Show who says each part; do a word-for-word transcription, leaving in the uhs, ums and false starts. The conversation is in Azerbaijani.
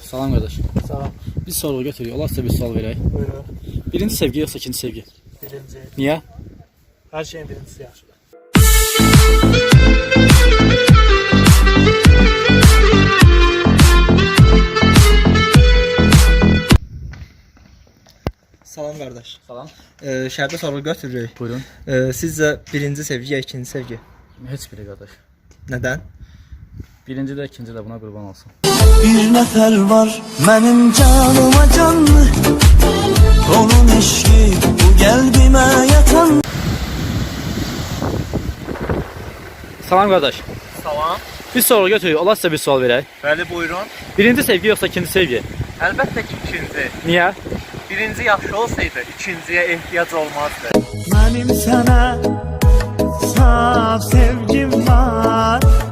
Speaker 1: Salam kardeş.
Speaker 2: Salam.
Speaker 1: Bir soru götürüyor. Olarsa bir sual vereyim.
Speaker 2: Buyurun.
Speaker 1: Birinci sevgi yoksa ikinci sevgi?
Speaker 2: Birinci.
Speaker 1: Niye?
Speaker 2: Her şeyin birincisi yaxşıdır.
Speaker 3: Salam qardaş.
Speaker 1: Salam.
Speaker 3: Ee, şərtə soru götürürük.
Speaker 1: Buyurun.
Speaker 3: Ee, sizcə birinci sevgi ya ikinci sevgi?
Speaker 1: Heç biri kardeş.
Speaker 3: Nədən?
Speaker 1: Birinci de ikinci de buna kurban olsun.
Speaker 4: Bir nefer var benim canıma canlı, onun eşki bu kalbime yatan.
Speaker 1: Salam kardeş.
Speaker 2: Salam.
Speaker 1: Bir soru götürüyor. Olarsa bir sual vereyim.
Speaker 2: Bəli, buyurun.
Speaker 1: Birinci sevgi yoksa ikinci sevgi?
Speaker 2: Əlbəttə ki, ikinci.
Speaker 1: Niye?
Speaker 2: Birinci yaxşı olsaydı, ikinciyə ehtiyac olmazdı.
Speaker 4: Benim sana saf sevgim var,